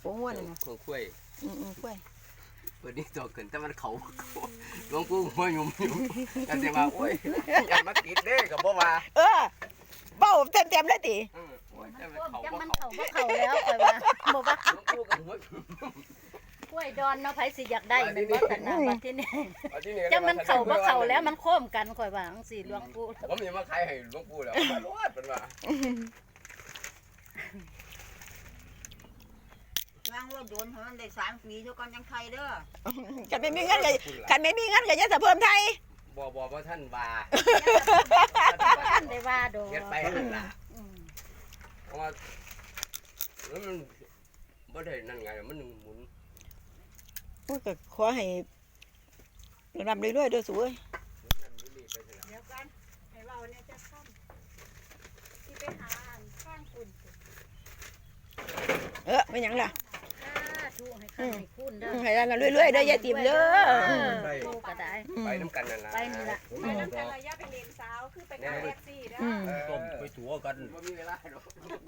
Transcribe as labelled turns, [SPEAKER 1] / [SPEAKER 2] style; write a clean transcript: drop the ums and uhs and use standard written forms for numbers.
[SPEAKER 1] โอ้หัวนั่นน่ะ
[SPEAKER 2] ของคุ้ย
[SPEAKER 1] กล้วย
[SPEAKER 2] เปิดนี่ตัวเกินแต่มันเขาหลวงปู่หัวยุ่มกันแต่ว่าโอ้ยอย่ามาติดเด้กับบ่ว่า
[SPEAKER 1] เบ้าเต็มเลยติ
[SPEAKER 2] โอ้ยแต่
[SPEAKER 3] มัน
[SPEAKER 2] มัน
[SPEAKER 3] ก้ม
[SPEAKER 2] เขา
[SPEAKER 3] จัง
[SPEAKER 2] บ่
[SPEAKER 3] มัน
[SPEAKER 2] เขา
[SPEAKER 3] เข่าบ่เข่าแล้วข่อยว่าบ่ว่า
[SPEAKER 2] หลวงปู่กับหัว
[SPEAKER 3] กล้วยดอนเนาะไผสิอยากได้แม่นบ่ซั่นน่ะบัดทีนี้
[SPEAKER 2] เอาที่นี่
[SPEAKER 3] จังมันเข่าบ่เข่าแล้วมันโค้มกันข่อยว่าจังซี่หลวงปู่
[SPEAKER 2] ผมยังมาขายให้หลวงปู่แล้วมารอดเป็นว่า
[SPEAKER 4] วางรถโดนมันได้3 ปีเท่ากันยังไทยเด้อ
[SPEAKER 1] กันไม่มีเงินก็กันไม่มีเงินก็จะเพิ่มไทย
[SPEAKER 2] บ่ท่านว่า
[SPEAKER 3] ท่านได้ว่าดอก
[SPEAKER 2] เฮ็ดไปนั่นล่ะ
[SPEAKER 3] อืม
[SPEAKER 2] เพราะว่ามันบ่ได้นั่นไงมันหมุน
[SPEAKER 1] โอ้ยก็ขอให้รำเรื่อยๆเด้อสวย
[SPEAKER 2] นั่นนี่ไปเถอะ
[SPEAKER 4] เดี๋ยวกันให้เราเนี่ยจะข้ามที่ไปหาข้างคุณ
[SPEAKER 1] ไม่หยังล่ะ
[SPEAKER 3] ถูกให้คันให้คุณเด้อ
[SPEAKER 1] ให้รำเรื่อยๆเด้อยายติ๋มเด้อ
[SPEAKER 3] โลกก็ได้
[SPEAKER 2] ไปน้ำกันนั่นล่ะ
[SPEAKER 3] ไปนี่ล่ะ
[SPEAKER 4] ไปนั่นแต่ระยะไปเรียนสาวคือไปกับแท็กซี่เด้อ
[SPEAKER 2] ต้มไปตัวกันบ่มีเวลาดอก